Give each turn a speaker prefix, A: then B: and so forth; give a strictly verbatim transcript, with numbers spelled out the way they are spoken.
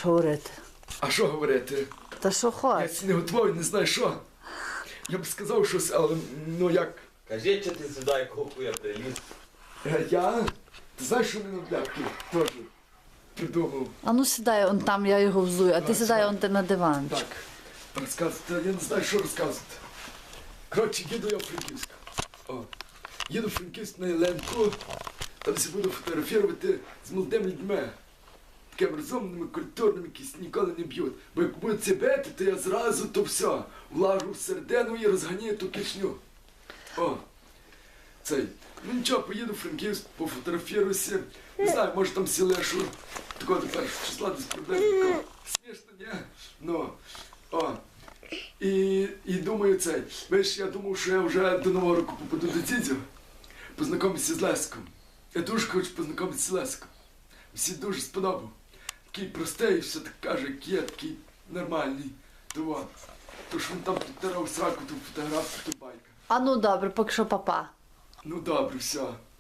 A: маєш говорити?
B: А що говорити?
A: Та що
B: Я
A: хочеш?
B: ці не готовий, не знаю що. Я б сказав щось, але ну як.
C: Кажи, що ти сюди якого хуя приліз.
B: Е, Я? Ти знаєш, що мене бляхи теж придумав.
A: А ну сідай он там, я його взую, а ти
B: Так,
A: сідай
B: сідай.
A: он ти на диванчик.
B: Так, розказувати, я не знаю, що розказувати. Коротше, їду я в Франківськ. О, їду в Франківськ на Єленку, там всі буду фотографувати з молодими людьми. Такими розумними, культурними, які ніколи не б'ють. Бо як будуть це бити, то я зразу то все, влажу всередину і розганяю ту кишню. О, цей. Ну нічого, поїду в Франківськ, пофотографіруюся. Не знаю, може там сілешу такого до першого числа десь приблизно. Смішно, ні? Ну, о. І, і думаю цей. Знаєш, я думав, що я вже до Нового року попаду до Дзідзю, познайомитися з Леском. Я дуже хочу познайомитися з Леском. Всі дуже сподобав. Такий простий, все так каже, як є, такий нормальний. То от. То що він там підтирав сраку, ту фотографію, ту байка.
A: А ну добре, поки що папа.
B: Ну добре, все.